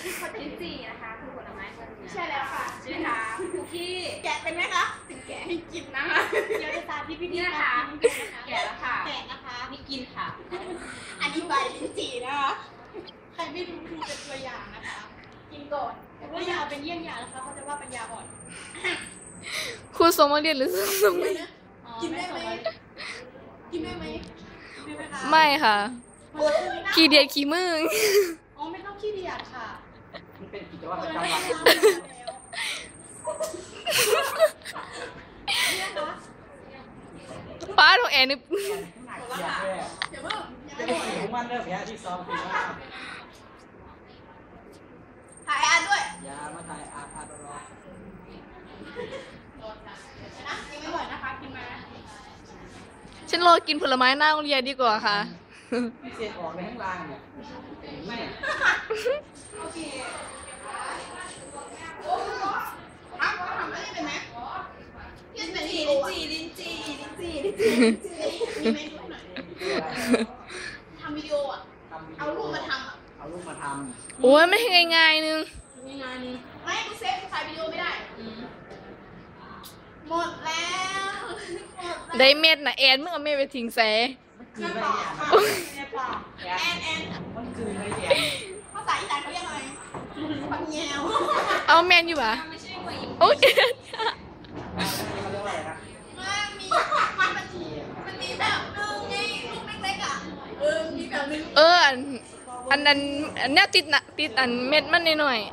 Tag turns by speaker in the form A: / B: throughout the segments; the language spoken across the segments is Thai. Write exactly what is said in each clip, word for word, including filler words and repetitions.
A: ลิ้นจี่นะคะคือผลไม้เมืองเหนือ
B: ใช่แล้วค่ะ
A: ใช่ไหมคะคุกกี้
B: แกะเป็นไหมคะถึงแกะให้กินนะคะเดี๋ยวจะสาธิตวิธีการกินนะคะ
A: แกะแล้วค่ะ
B: แกะนะคะ
A: นี่กินค่ะ
B: อันนี้ใบลิ้นจี่นะคะใครไม่รู้ดูเป็นตัวอย่างนะคะกินก่อนแต่ว่าอย่าเอาเป็นเยี่ยงอย่างนะคะเขาจะว่าปัญญาอ่อน
C: ครูสมมาเรียนหรือสมมา
B: กินได้ไหมกินได้ไหม
C: ไม่ค่ะขี้เดียดขี้มึง
B: อ๋อไม่ต้องขี้เดียดค่ะ
D: มันเป็นกิจวัตรประจำวัน
C: ป้าของแอนนี่
D: อยากเลย
B: เดี๋ยวเพิ่ม
D: จะได้ถึงมันเริ่มแย่ที่ซ้อมถึงว่า
B: ถ่ายอาด้วย
D: อย่ามาถ่ายอาพาดรอ
B: นะยังไม่หมดนะคะกินมา
C: ฉันรอกินผลไม้หน้าโรงเรียนดีกว่าค่ะ
D: พิเศษออกในข้างล่างเนี่ยไม่
B: โอเคทำทำได้เป็นไหมลิ้นจี่ลิ้นจี่ลิ้นจี่ลิ้นจี่ลิ้นจี่มีเมนูหน่อยทำวิดีโออ่ะเอารูปมาทำอ่ะ
D: เอารูปมาทำ
C: โอ้ยไม่ง่ายๆนึง
B: ง่ายๆนึงไม่กูเซฟถ่ายวิดีโอไม่ได้หมดแล้ว
C: ได้เม็ดนะแอนมึงเอาเม็ดไปทิ้งแซ่
D: คือไม่แย่
B: แอนแอน
D: มันคือไม่แย่
B: ภาษาอีสานเขาเรียกอะไรปังแยว
C: เอาแมนอยู่ปะโอ้ย
D: เขาเรียกว่าอะไรนะ
B: มันมีมันมันมีแบบนึงไงลูกเล็กๆอ่ะเออมีแบบนึง
C: เอออันอันนั้นอันนี้ติดนะติดอันเม็ดมันหน่อย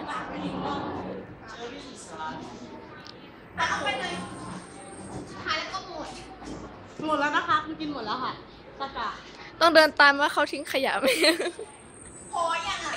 B: เอาไปเลยถ่ายแล้วก็หมดหมดแล้วนะคะคุณกินหมดแล้วค่ะตะกะ
C: ต้องเดินตามว่าเขาทิ้งขยะไหม
B: พอยังอ่ะ